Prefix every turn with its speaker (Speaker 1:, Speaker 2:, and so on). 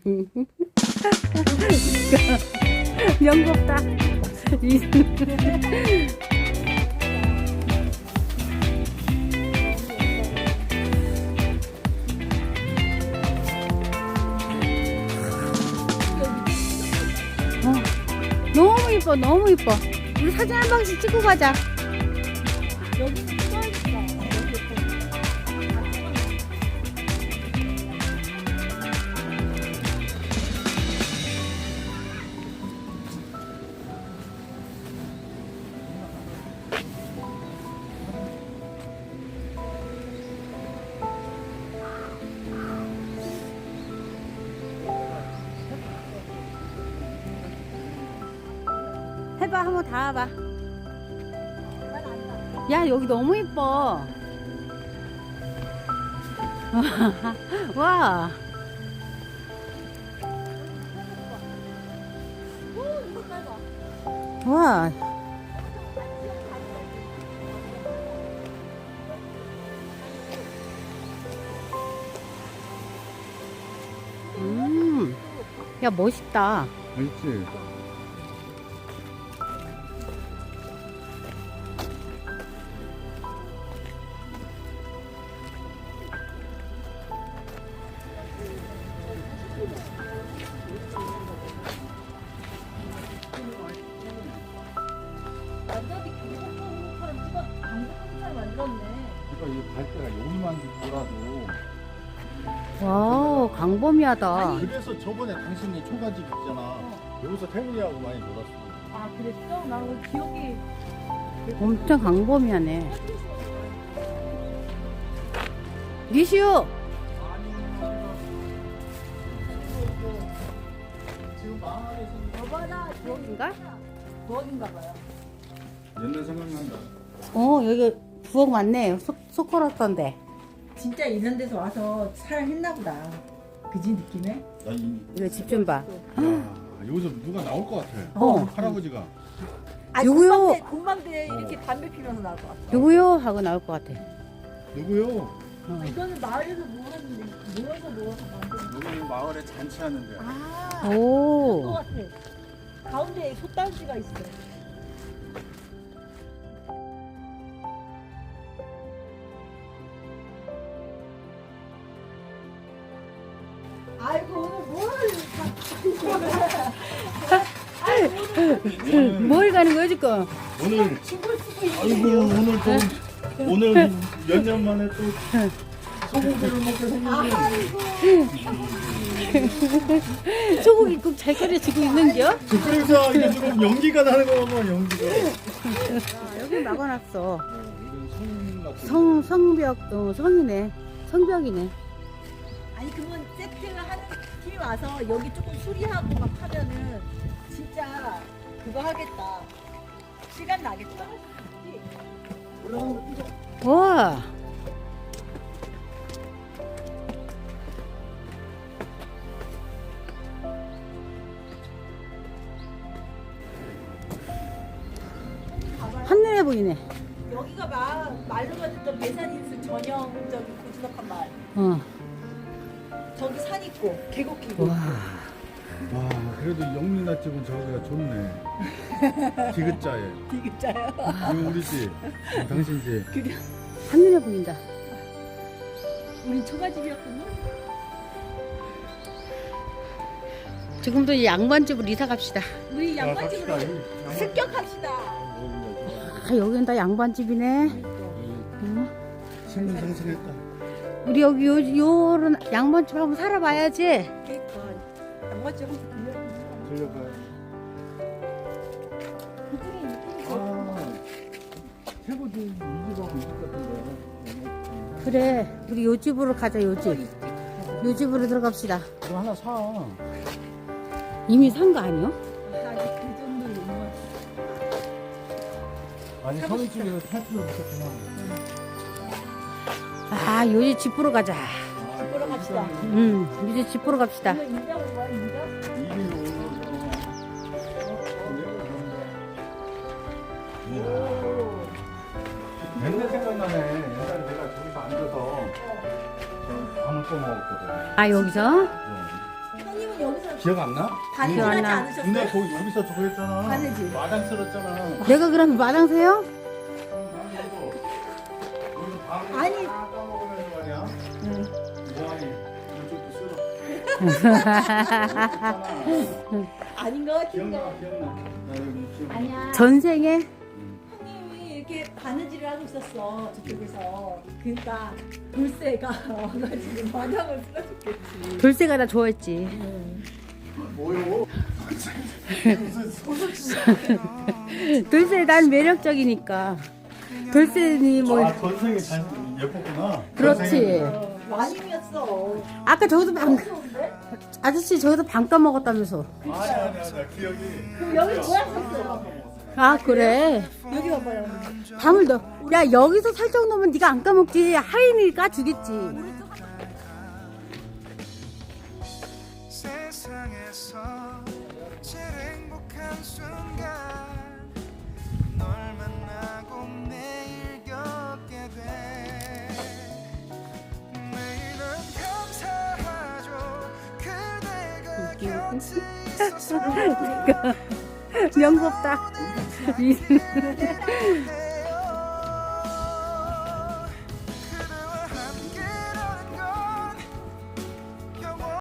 Speaker 1: 명겁다. 너무 이뻐, 너무 이뻐. 우리 사진 한 방씩 찍고 가자.
Speaker 2: 여기는 찍어야겠다.
Speaker 1: 해봐, 한번 다 와봐. 야, 여기 너무 이뻐. 와. 와. 야, 멋있다.
Speaker 3: 알지?
Speaker 2: 완전히 경찰서처럼 찍어 방송처럼 만들었네.
Speaker 3: 그러니까 이 갈대가 여기만 돌아도.
Speaker 1: 와우, 광범위하다.
Speaker 3: 그래서 저번에 당신이 초가집 있잖아. 여기서 태훈이하고 많이 놀았어.
Speaker 2: 아 그랬어? 나 오늘 기억이
Speaker 1: 엄청 광범위하네. 니시오!
Speaker 3: 지금 마을에서는
Speaker 2: 여봐라
Speaker 1: 부엌인가?
Speaker 2: 부엌인가 봐요.
Speaker 3: 옛날 생각난다.
Speaker 1: 여기 부엌 많네. 속 걸었던데.
Speaker 2: 진짜 이런 데서 와서 살했나 보다. 그지 느낌에?
Speaker 3: 나
Speaker 1: 이거 집 좀 봐.
Speaker 3: 여기서 누가 나올 것 같아.
Speaker 1: 어.
Speaker 3: 할아버지가.
Speaker 2: 아니,
Speaker 1: 누구요?
Speaker 2: 군방대 이렇게 담배 피면서 나올 것 같아.
Speaker 1: 누구요? 하고 나올 것 같아.
Speaker 3: 누구요?
Speaker 2: 이거는 마을에서 모았는데 모여서 만든.
Speaker 3: 여기 마을에 잔치하는데.
Speaker 2: 아, 그거
Speaker 1: 오.
Speaker 2: 같아. 가운데에 솥단지가 있어. 아이고
Speaker 1: 뭘 가는 거야, 지금?
Speaker 3: 오늘
Speaker 2: 죽을 수도 있는데.
Speaker 3: 아이고 오늘 또 오늘 몇 년 만에 또 소고기를 먹게 생겼네.
Speaker 1: 소고기 국 잘 끓여지고 있는겨?
Speaker 3: 그래서 이게 지금 연기가 나는 거 보면 연기가.
Speaker 1: 여기 막아놨어.
Speaker 3: 이건 성 같은.
Speaker 1: 성벽, 성이네. 성벽이네.
Speaker 2: 아니 그러면 세팅을 하는 팀이 와서 여기 조금 수리하고 막 하면은 진짜 그거 하겠다. 시간 나겠다.
Speaker 1: 와. 한눈에 보이네.
Speaker 2: 여기가 막 말로만 듣던 배산인수 전형적인 고즈넉한 마을. 저기 산 있고 계곡 끼고.
Speaker 1: 와.
Speaker 3: 와 그래도 영민아 집은 저기가 좋네. 디귿자에.
Speaker 2: 디귿자요.
Speaker 3: 이거 우리 집. 당신 집.
Speaker 1: 한눈에 보인다.
Speaker 2: 우린 초가집이었구나.
Speaker 1: 지금도 이 양반집으로 이사 갑시다.
Speaker 2: 우리 양반집으로
Speaker 3: 갑시다.
Speaker 2: 습격합시다.
Speaker 1: 여긴 다 양반집이네. 응?
Speaker 3: 승승장성했다.
Speaker 1: 우리 여기 요런 양반집 한번 살아봐야지.
Speaker 2: 그러니까 양반집 한번 들려.
Speaker 3: 들려봐요.
Speaker 2: 그중에 느낌이
Speaker 3: 아 최고지 이 집하고 이 집 같은데.
Speaker 1: 그래, 우리 요 집으로 가자, 요 집. 요 집으로 들어갑시다.
Speaker 3: 이거 하나 사.
Speaker 1: 이미 산 거 아니요?
Speaker 2: 아니 그 정도로 못
Speaker 3: 아니 서울 집에서 살 필요 없었구나.
Speaker 1: 아, 요 집 보러 가자.
Speaker 2: 보러 갑시다.
Speaker 1: 이제 집 보러 갑시다.
Speaker 2: 이거 인자 온 거야 인자?
Speaker 3: 옛날 생각나네. 옛날에 내가 저기서 앉아서 저 밤을 꺼먹었거든.
Speaker 1: 아, 여기서?
Speaker 2: 형님은 여기서
Speaker 3: 기억 안 나?
Speaker 2: 바느질
Speaker 1: 기억 안
Speaker 2: 하지
Speaker 1: 나.
Speaker 2: 않으셨어요?
Speaker 3: 근데 거기 여기서 저거 했잖아.
Speaker 2: 바느질.
Speaker 3: 마당 쓸었잖아.
Speaker 1: 내가 그럼 마당새요?
Speaker 2: 아니.
Speaker 3: 까먹으면 말이야.
Speaker 1: 응.
Speaker 3: 뭐하니? 이쪽도 쓸어.
Speaker 2: 아닌가 같은데.
Speaker 3: 기억나. 나 여기 기억.
Speaker 2: 아니야.
Speaker 1: 전생에
Speaker 2: 형님이 이렇게 바느질을 하고 있었어 저쪽에서. 그러니까 돌쇠가 와가지고 마당을 쓸어줬겠지.
Speaker 1: 돌쇠가 나 좋아했지.
Speaker 3: 뭐요?
Speaker 1: 돌쇠 난 매력적이니까. 돌쇠니 뭐
Speaker 3: 전생에 잘 예뻤구나.
Speaker 1: 그렇지.
Speaker 2: 마님이었어.
Speaker 1: 아까 저기서 방
Speaker 2: 좋은데?
Speaker 1: 아저씨 저기서 방 까먹었다면서.
Speaker 3: 아니야. 기억이.
Speaker 2: 그럼 여기 뭐야 썼어?
Speaker 1: 아 그래.
Speaker 2: 여기 봐봐요.
Speaker 1: 방을 넣어. 야 여기서 살짝 넣으면 네가 안 까먹지. 하인이 까주겠지.
Speaker 4: 세상에서 제일 행복한 순간 널 만나고 매일 겪게 돼 매일은 감사하죠 그대가 곁에 있어서
Speaker 1: 명섭다.
Speaker 4: 내